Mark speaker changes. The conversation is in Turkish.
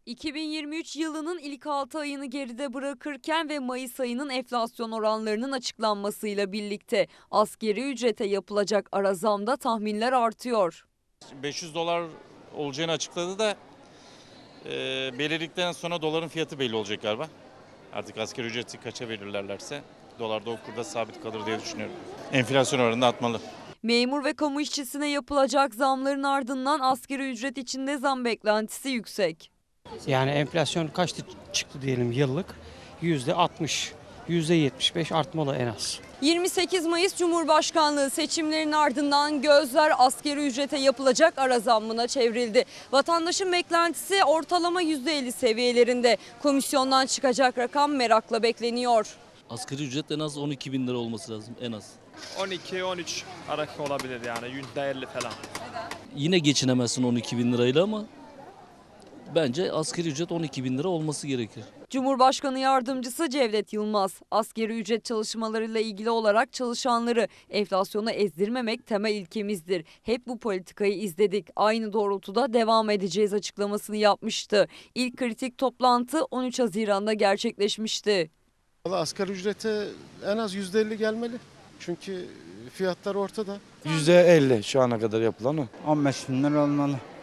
Speaker 1: 2023 yılının ilk 6 ayını geride bırakırken ve Mayıs ayının enflasyon oranlarının açıklanmasıyla birlikte asgari ücrete yapılacak ara zamda tahminler artıyor.
Speaker 2: $500 olacağını açıkladı da belirledikten sonra doların fiyatı belli olacak galiba. Artık asgari ücreti kaça belirlerlerse dolar da o kurda sabit kalır diye düşünüyorum. Enflasyon oranını atmalı.
Speaker 1: Memur ve kamu işçisine yapılacak zamların ardından asgari ücret içinde zam beklentisi yüksek.
Speaker 3: Yani enflasyon kaçtı çıktı diyelim yıllık? %60, %75 artmalı en az.
Speaker 1: 28 Mayıs Cumhurbaşkanlığı seçimlerinin ardından gözler asgari ücrete yapılacak ara zammına çevrildi. Vatandaşın beklentisi ortalama %50 seviyelerinde. Komisyondan çıkacak rakam merakla bekleniyor.
Speaker 4: Asgari ücret en az 12 bin lira olması lazım en az.
Speaker 5: 12-13 arası olabilir yani %50 falan.
Speaker 4: Yine geçinemezsin 12 bin lirayla ama bence asgari ücret 12 bin lira olması gerekir.
Speaker 1: Cumhurbaşkanı Yardımcısı Cevdet Yılmaz, asgari ücret çalışmalarıyla ilgili olarak çalışanları enflasyona ezdirmemek temel ilkemizdir. Hep bu politikayı izledik. Aynı doğrultuda devam edeceğiz açıklamasını yapmıştı. İlk kritik toplantı 13 Haziran'da gerçekleşmişti.
Speaker 6: Asgari ücrete en az %50 gelmeli. Çünkü fiyatlar ortada.
Speaker 7: %50 şu ana kadar yapılan o.
Speaker 8: 15 bin lira olmalı.